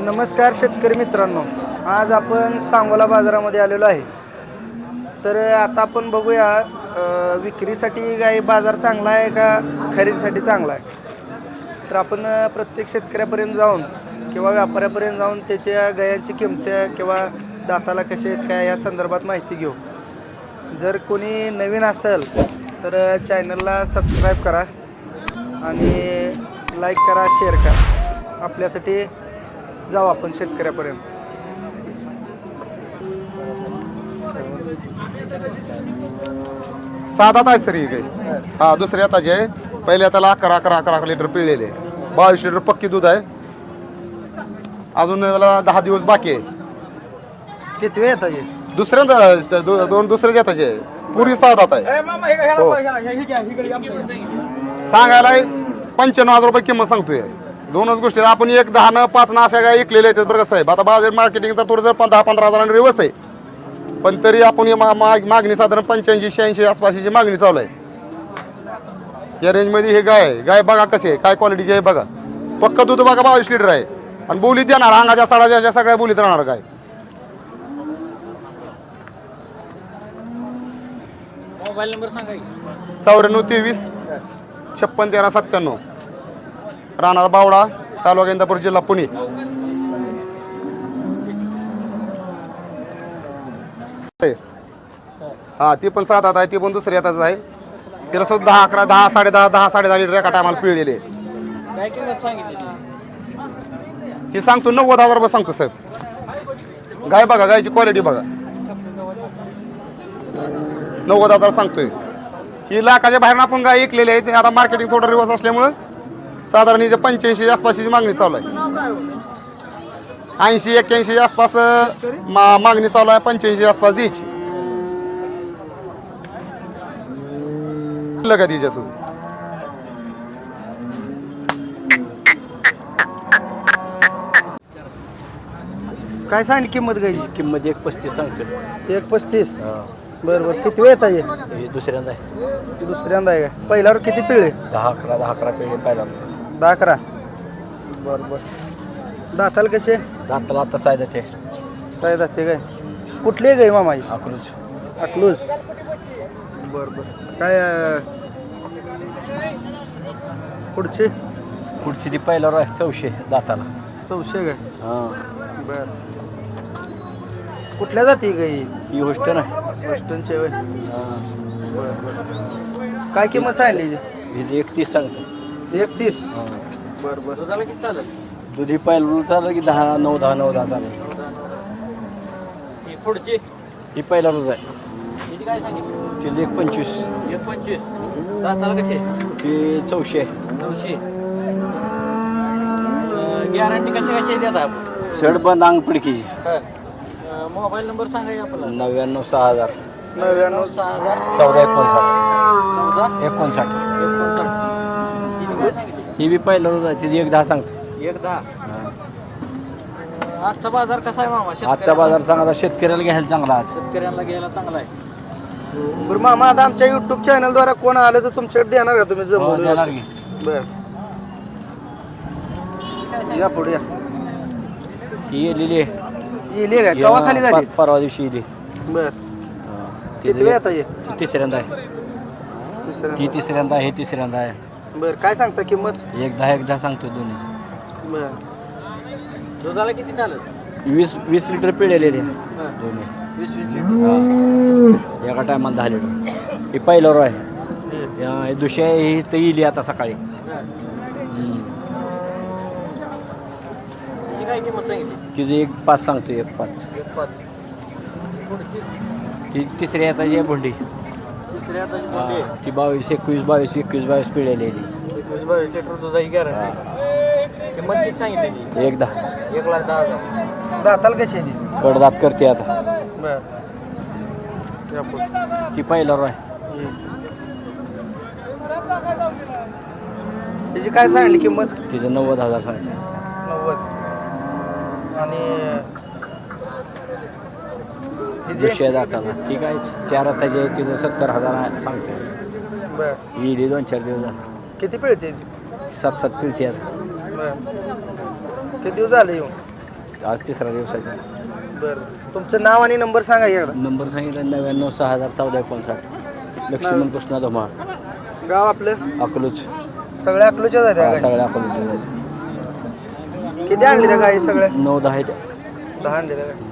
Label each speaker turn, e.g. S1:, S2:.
S1: नमस्कार शेतकरी मित्रांनो, आज आपण सांगोला बाजारामध्ये आलेलो आहे. तर आता आपण बघूया विक्रीसाठी गाई बाजार चांगला आहे का खरेदीसाठी चांगला आहे. तर आपण प्रत्येक शेतकऱ्यापर्यंत जाऊन किंवा व्यापाऱ्यापर्यंत जाऊन त्याच्या गायांची किंमत किंवा दाताला कसे आहेत काय या संदर्भात माहिती घेऊ. जर कोणी नवीन असेल तर चॅनलला सबस्क्राईब करा आणि लाईक करा, शेअर करा. आपल्यासाठी जाऊ आपण शेतकऱ्यापर्यंत.
S2: सात आहे सर ही काही. हा दुसऱ्या आताची आहे. पहिल्या त्याला 11 लिटर पिळलेले, 22 लिटर पक्की दूध आहे. अजून याला 10 दिवस बाकी आहे.
S1: किती वेळ येतात हे?
S2: दुसऱ्यांदा दोन दुसऱ्या जाताचे आहे. पूर्वी 7 दात आहे. हो. सांगायला 95,000 रुपये किंमत सांगतोय. दोनच गोष्टी आपण 1, 10 न 5 न अशा काय ऐकलेल्या आहेत. बरं कसं आहे आता बाजार मार्केटिंग तर थोडं जर 10-15 हजारांनी रिवर्स आहे, पण तरी आपण मागणी साधारण 85-86 आसपासची मागणी चालू आहे. या रेंजमध्ये हे गाय बघा कशी आहे, काय क्वालिटीची आहे बघा. पक्क दूध बघा 22 लिटर आहे आणि बोलीत देणार अंगाच्या साडाच्या सगळ्या बोलीत राहणार गाय.
S3: मोबाईल नंबर सांगा.
S2: 9423 561397. राहणार बावडा, तालुका इंदापूर, जिल्हा पुणे. हा ती पण 7 आहे. ती पण दुसरी हाताच आहे. तिला सुद्धा 10, 11, 10, 10.5, 10, 10.5 लिटर एका टायमाला पिळलेले.
S3: काय किंमत सांगितली?
S2: ती सांगतो 90,000 रुपये सांगतो साहेब. गाय बघा, गायची क्वालिटी बघा. 90,000 सांगतोय. ही लाखाच्या बाहेर आपण गाय ऐकलेली आहे. ते आता मार्केटिंग थोडं रिवर्स असल्यामुळं साधारण हिच्या 85 आसपासची मागणी चालू आहे. 80-81 आसपास मागणी चालू आहे. 85 आसपास द्यायची लगा तिच्यासोबत.
S1: काय सांगली किंमत गायची?
S3: किंमत 1.35 सांगतो.
S1: 1.35. बरं बरं. किती वेळ येतात हे?
S3: हे दुसऱ्यांदा आहे.
S1: दुसऱ्यांदा आहे का? पहिल्यावर किती पिळे?
S3: 10-11 पेढे पाहिला.
S1: 10-11. बरं बरं. दाताला कसे?
S3: दाताला आता सायदा ते
S1: काय जाते काय? कुठली आहे गाय मामा ही?
S3: अकलूज.
S1: अकलूज. बरं बरं. काय पुढची?
S3: पुढची ती पहिल्यावर आहे 400 दाताला.
S1: 400 काय?
S3: हां.
S1: बरं. कुठल्या जाती गाई?
S3: ही होस्टन आहे.
S1: वेस्टर्नचे होय.
S3: हां.
S1: बरं बरं. काय किंमत सांगली?
S3: हिची 31 सांगतो.
S1: 31.
S3: हां.
S1: बरं बरं.
S3: दुधाला किती चालेल? दूध ही पहिल्यावर चालेल की 10, 9, 10, 9, 10 चालेल. ही पुढची ही पहिल्यावरच आहे. हिची काय सांगितली? तिची 1.25. 1.25. दाताला कशी? ती 400 आहे. 400. गॅरंटी कशी देतात? शर्ट बंद अंग पिडकीची. मोबाईल नंबर सांगा आपला. 99 6000
S1: 99
S3: 6000 14 59 ही बी पहिलं आहे. तिची 1.10 सांगतो. 1.10. आजचा बाजार कसा आहे मामा? आजचा बाजार चांगला. शेतकऱ्याला घ्यायला चांगला. आज शेतकऱ्यांना घ्यायला चांगला आहे.
S1: बरं मामा, आता आमच्या युट्यूब चॅनलद्वारे कोण आलं तर तुमच्याकडे देणार का तुम्ही? जमवून
S3: देणार की.
S1: बरं. या पुढे या.
S3: ही येलेली आहे.
S1: येली काय? कवा खाली झाली?
S3: परवा दिवशी येली.
S1: बरं. किती वेळ आता ये?
S3: ती तिसऱ्यांदा आहे.
S1: तिसऱ्या.
S3: ती तिसऱ्यांदा आहे. तिसऱ्यांदा आहे.
S1: बरं. काय सांगता किंमत?
S3: 1.10 सांगतो दोन्ही.
S1: बरं.
S3: दुधाला किती चालत? 20 लिटर पिळलेले दोन्ही. 20 लिटर एका टायमाला 10 लिटर. ही पहिल्यावर आहे. हे दुसरी आहे. ही तर येईल आता सकाळी. काय किंमत सांगितली? तिची 1.5 सांगतो. 1.5. ती तिसऱ्या हाताची आहे भोंडी. तिसऱ्या हाताची भोंडी. ती 22 पिळलेली आहे. 21-22 लिटर दुधाची गॅरंटी. किंमत किती सांगितली? 1.10. 1,10,000.
S1: दाताला कशी आहे ती?
S3: कडदात करते आता.
S1: बरं. या पुढे.
S3: ती पहिल्यावर आहे.
S1: त्याची काय सांगली किंमत?
S3: तिचं 90,000 सांगते.
S1: 90. आणि
S3: दुसऱ्या दाताला ती काय 4 हाताची आहे. तिचं 70,000 सांगते.
S1: बरं.
S3: येईल 2-4 दिवस.
S1: किती पिळते?
S3: 7-7 पिळते.
S1: बरं. किती दिवस झाले येऊन?
S3: आज तिसरा दिवस आहे.
S1: बरं तुमचं नाव आणि नंबर सांगा की एकदा.
S3: नंबर सांगितलं 99 6014 लक्ष्मण कृष्णा धोमा
S1: गाव आपलं
S3: अकलूज.
S1: सगळ्या अकलूच्याच आहेत त्या गाई?
S3: सगळ्या अकलूज
S1: किती आणली त्या गाई सगळ्या?
S3: 9-10
S1: 10 आणली त्या गाई.